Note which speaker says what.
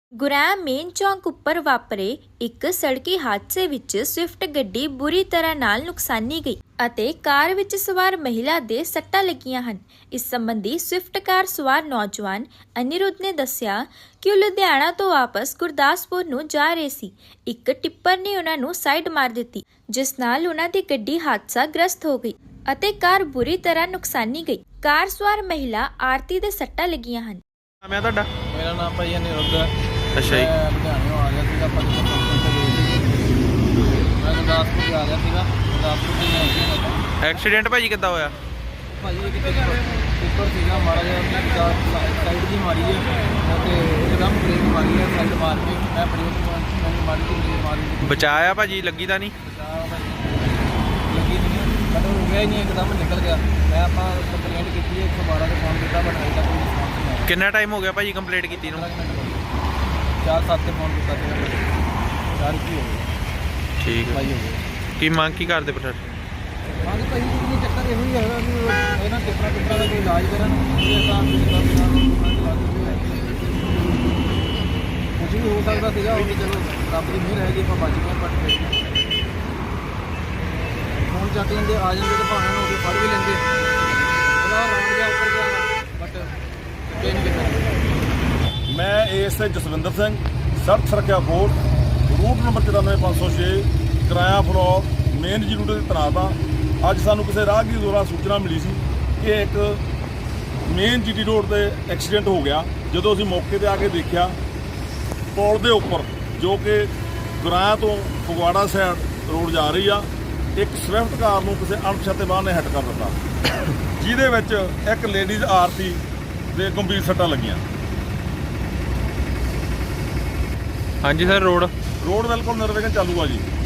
Speaker 1: ਗੁਰੈਮ main ਚੌਂਕ ਉੱਪਰ ਵਾਪਰੇ ਇੱਕ ਸੜਕੀ ਹਾਦਸੇ ਵਿੱਚ ਸਵਿਫਟ ਗੱਡੀ ਬੁਰੀ ਤਰ੍ਹਾਂ ਨਾਲ ਨੁਕਸਾਨੀ ਗਈ ਅਤੇ ਕਾਰ ਵਿੱਚ ਸਵਾਰ ਮਹਿਲਾ ਦੇ ਸੱਟਾਂ ਲੱਗੀਆਂ ਹਨ। ਇਸ ਸੰਬੰਧੀ ਸਵਿਫਟ ਕਾਰ ਸਵਾਰ ਨੌਜਵਾਨ ਅਨਿਰੁੱਧ ਨੇ ਦੱਸਿਆ ਕਿ ਉਹ ਲੁਧਿਆਣਾ ਤੋਂ ਵਾਪਸ ਗੁਰਦਾਸਪੁਰ ਨੂੰ ਜਾ ਰਹੇ ਸੀ। ਇੱਕ ਟਿੱਪਰ ਨੇ ਉਹਨਾਂ ਨੂੰ ਸਾਈਡ ਮਾਰ ਦਿੱਤੀ, ਜਿਸ ਨਾਲ ਉਹਨਾਂ ਦੀ ਗੱਡੀ ਹਾਦਸਾਗ੍ਰਸਤ ਹੋ ਗਈ ਅਤੇ ਕਾਰ ਬੁਰੀ ਤਰ੍ਹਾਂ ਨੁਕਸਾਨੀ ਗਈ। ਕਾਰ ਸਵਾਰ ਮਹਿਲਾ ਆਰਤੀ ਦੇ ਸੱਟਾਂ ਲੱਗੀਆਂ ਹਨ।
Speaker 2: ਮੈਂ ਤੁਹਾਡਾ
Speaker 3: ਮੇਰਾ ਨਾਮ ਭਾਈ ਅਨਿਰੁੱਧ ਹੈ।
Speaker 2: ਅੱਛਾ ਜੀ।
Speaker 3: ਮੈਂ ਲੁਧਿਆਣਿਓਂ ਆ ਗਿਆ ਸੀਗਾ ਪੰਜ ਫੰਕਸ਼ਨ ਤੇ ਗਈ ਸੀ। ਮੈਂ ਗੁਰਦਾਸਪੁਰ ਆ ਗਿਆ ਸੀਗਾ। ਗੁਰਦਾਸਪੁਰ ਤੋਂ ਮੈਂ ਇੱਥੇ
Speaker 2: ਐਕਸੀਡੈਂਟ ਭਾਜੀ ਕਿੱਦਾਂ ਹੋਇਆ?
Speaker 3: ਭਾਜੀ ਇੱਕ ਟਿੱਪਰ ਸੀਗਾ ਮਾੜਾ ਜਿਹਾ ਸਾਈਡ ਦੀ ਮਾਰੀ ਹੈ ਅਤੇ ਇੱਕਦਮ ਬ੍ਰੇਕ ਮਾਰੀ ਹੈ ਸਾਈਡ ਮਾਰ ਕੇ ਮੈਂ ਬ੍ਰੇਕ ਮੈਨੂੰ ਮਾਰੀ ਤੇ ਬ੍ਰੇਕ ਮਾਰੀ
Speaker 2: ਬਚਾਇਆ ਭਾਜੀ, ਲੱਗੀ ਤਾਂ ਨਹੀਂ?
Speaker 3: ਲੱਗੀ ਨਹੀਂ ਬਟ ਹੋ ਗਿਆ ਹੀ ਨਹੀਂ, ਇੱਕਦਮ ਨਿਕਲ ਗਿਆ। ਮੈਂ ਆਪਾਂ ਕੰਪਲੇਂਟ ਕੀਤੀ ਹੈ 112 ਤੇ ਫੋਨ ਕੀਤਾ ਬਟ ਅਜੇ ਤੱਕ ਕੋਈ ਰਿਸਪੌਂਸ ਨਹੀਂ ਆਇਆ।
Speaker 2: ਕਿੰਨਾ ਟਾਈਮ ਹੋ ਗਿਆ ਭਾਜੀ ਕੰਪਲੀਟ ਕੀਤੀ ਨੂੰ?
Speaker 3: 4-7 ਤੇ ਫੋਨ ਕੀਤਾ ਸੀ। 4 ਕੀ ਹੋ ਗਿਆ
Speaker 2: ਠੀਕ ਹੈ।
Speaker 3: ਭਾਈ ਹੋ ਗਿਆ।
Speaker 2: ਕੀ ਮੰਗ ਕੀ ਕਰਦੇ ਪਟਰ?
Speaker 3: ਹਾਂਜੀ ਭਾਈ ਜੀ, ਚੱਕਰ ਇਹੋ ਹੀ ਹੈਗਾ ਵੀ ਇਹਨਾਂ ਟਿੱਪਰਾਂ ਦਾ ਕੋਈ ਇਲਾਜ ਕਰਨ। ਇਹ ਤਾਂ ਕੁਝ ਵੀ ਹੋ ਸਕਦਾ ਸੀਗਾ, ਉਹ ਵੀ ਚਲੋ ਰੱਬ ਦੀ ਮਿਹਰ ਹੈਗੀ, ਆਪਾਂ ਬਚ ਗਏ। ਬਟ ਫੋਨ ਚੱਕ ਲੈਂਦੇ, ਆ ਜਾਂਦੇ ਤਾਂ ਭਾਵੇਂ ਨੂੰ ਫੜ ਵੀ ਲੈਂਦੇ। ਉਹਦਾ ਰੌਂਡ ਜਾ ਉੱਪਰ ਗਿਆ ਬਟ ਇਹ ਨਹੀਂ ਕੀਤਾ।
Speaker 4: ਮੈਂ ਏਐਸਆਈ ਜਸਵਿੰਦਰ ਸਿੰਘ, ਸੜਕ ਸੁਰੱਖਿਆ ਫੋਰਸ, ਰੂਟ ਨੰਬਰ 94506, ਕਿਰਾਇਆ ਫਲੋਰ ਮੇਨ ਜੀ ਰੂਟ 'ਤੇ ਤੈਨਾਤ ਹਾਂ। ਅੱਜ ਸਾਨੂੰ ਕਿਸੇ ਰਾਹਗੀਰ ਦੁਆਰਾ ਸੂਚਨਾ ਮਿਲੀ ਸੀ ਕਿ ਇੱਕ ਮੇਨ ਜੀਟੀ ਰੋਡ 'ਤੇ ਐਕਸੀਡੈਂਟ ਹੋ ਗਿਆ। ਜਦੋਂ ਅਸੀਂ ਮੌਕੇ 'ਤੇ ਆ ਕੇ ਦੇਖਿਆ, ਪੁਲ ਦੇ ਉੱਪਰ ਜੋ ਕਿ ਗੁਰਾਇਆ ਤੋਂ ਫਗਵਾੜਾ ਸਾਈਡ ਰੋਡ ਜਾ ਰਹੀ ਆ, ਇੱਕ ਸਵਿਫਟ ਕਾਰ ਨੂੰ ਕਿਸੇ ਅਣਪਛਾਤੇ ਵਾਹਨ ਨੇ ਹਿੱਟ ਕਰ ਦਿੱਤਾ, ਜਿਹਦੇ ਵਿੱਚ ਇੱਕ ਲੇਡੀਜ਼ ਆਰਤੀ ਦੇ ਗੰਭੀਰ ਸੱਟਾਂ ਲੱਗੀਆਂ।
Speaker 2: ਹਾਂਜੀ ਸਰ, ਰੋਡ
Speaker 4: ਬਿਲਕੁਲ ਨਿਰਵਿਘਨ ਚਾਲੂ ਆ ਜੀ।